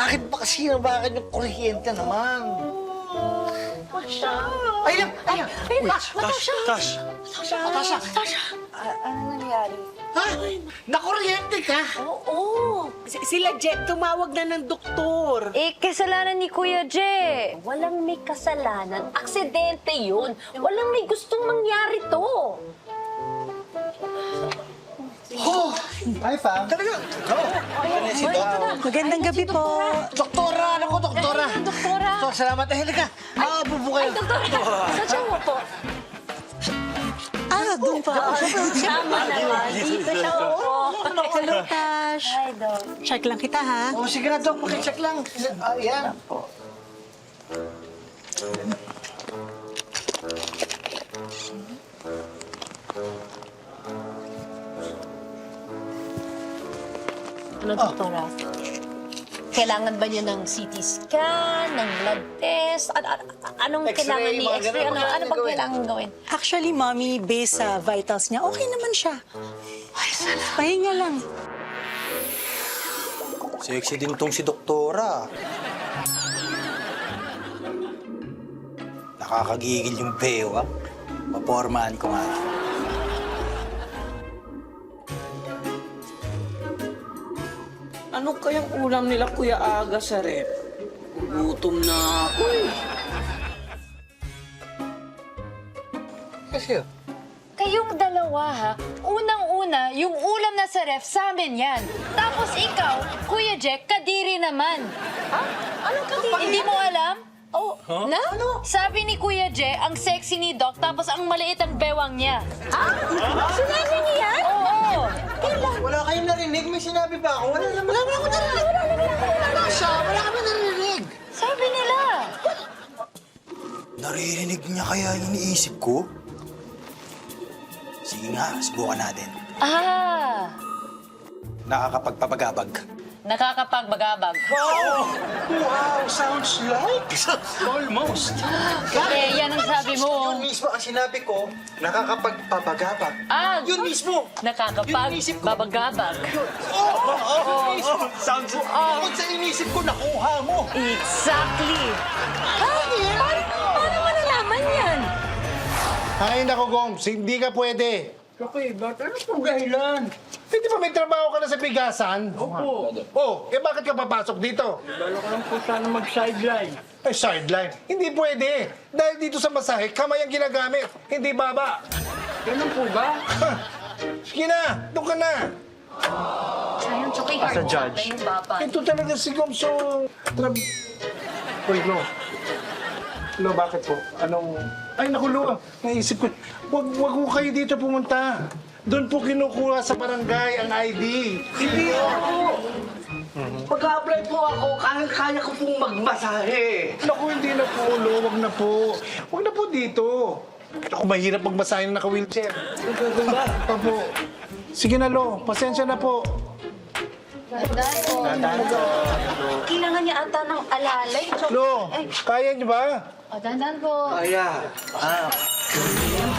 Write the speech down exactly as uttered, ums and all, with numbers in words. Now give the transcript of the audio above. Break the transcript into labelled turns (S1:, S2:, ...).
S1: Bakit ba kasi nabakan yung kuryente naman?
S2: Tasha!
S1: Ay lang! Ay lang!
S2: Ay,
S1: Uy,
S2: Tash!
S1: Tash! Tash!
S2: Tasha!
S1: Tasha!
S2: Tasha!
S3: ano nangyari?
S1: Ha? Nakuryente ka?
S2: Oo! Si- Sila Jet, tumawag na ng doktor.
S3: Eh, kasalanan ni Kuya Jay.
S4: Walang may kasalanan. Aksidente yun. Walang may gustong mangyari to.
S1: Oh!
S5: Hi, fam.
S1: Talaga? Oh! Ano si Doc?
S2: Magandang gabi po.
S1: Doktora! Ano ko, doktora?
S4: Ay, doktora.
S1: Doktor, salamat. Eh, halika. Makabubo kayo.
S4: Ay, doktor. Saan siya mo po?
S2: Ah, doon pa.
S4: Tama naman. Dito siya po.
S2: Hello, Tash.
S4: Hi, Doc.
S2: Check lang kita, ha?
S1: Oh, sige na, Doc. Pakicheck lang. Ah, yan.
S4: Ano, doktora? Kailangan ba niya ng C T scan, ng blood test? An- an- anong
S1: X-ray,
S4: kailangan ni
S1: mga
S4: X-ray?
S1: ganun.
S4: Ano,
S1: Ano
S4: ano bang
S1: gawin?
S4: kailangan gawin?
S2: Actually, Mommy, based sa vitals niya, okay naman siya. Ay, sana. Pahinga lang.
S5: Sexy din tong si Doktora. Nakakagigil yung beo, ah. Mapormahan ko nga.
S6: Ano kayang ulam nila, Kuya Aga, sa rep? Gutom na ako eh.
S1: Kasi,
S3: Kayong dalawa, ha? Unang-una, yung ulam na sa ref, sa amin yan. Tapos ikaw, Kuya Jack, kadiri naman. Ha? Anong kadiri? Hindi mo alam? Oh, na? Sabi ni Kuya Jack, ang sexy ni Doc, tapos ang maliit ang bewang niya.
S4: Sinabi niya yan?
S3: Oo!
S1: wala kayong narinig? May sinabi ba ako? Wala naman. Wala naman ako narinig. Wala siya. Wala kami narinig.
S3: Sabi nila.
S5: Naririnig niya kaya yung iniisip ko? Sige nga, subukan natin.
S3: Ah,
S5: Nakakapagpapagabag.
S3: nakakapagbagabag.
S1: Wow! Sounds like... Almost.
S3: Eh, yan ang sabi mo.
S1: Yun mismo ang sinabi ko, nakakapagpapagabag.
S3: Ah,
S1: Yun mismo! Yung inisip ko.
S3: nakakapagbabagabag.
S1: Oo! Oo! Oo! mismo. Sounds... Bukod sa inisip ko, nakuha mo.
S3: Exactly. Paano, paano mo nalaman yan?
S7: Ay, nako, Gomes. Hindi ka pwede.
S6: Okay, ba't ano pong dahilan?
S7: Hindi ba may trabaho ka na sa bigasan?
S6: Opo.
S7: Oh, eh bakit ka papasok dito?
S6: Bala ko lang po sana mag-sideline.
S7: Ay, sideline. Hindi pwede. Dahil dito sa masahe, kamay ang ginagamit. Hindi baba.
S6: Ganun po ba?
S7: Ha! Sige na, doon ka na.
S3: Sayang, choking hard. As a judge.
S7: Ito talaga si Gomes, so... Trab... Uy, no. No, bakit po? Anong... Ay, naku, Lo. Naisip ko. Wag, wag ko kayo dito pumunta. Doon po kinukuha sa barangay ang I D.
S6: Hindi ako. Pag-apply po ako, kaya-kaya ko pong magmasahe.
S7: Naku, hindi na po, Lo. Wag na po. Wag na po dito. Ako, mahirap magmasahin na naka-wheelchair.
S6: Ganun ba?
S7: Opo. Sige na, Lo. Pasensya na po.
S4: Kailangan niya ata ng alalay.
S7: Lo, kaya niyo ba?
S3: O, dandan po.
S6: Kaya.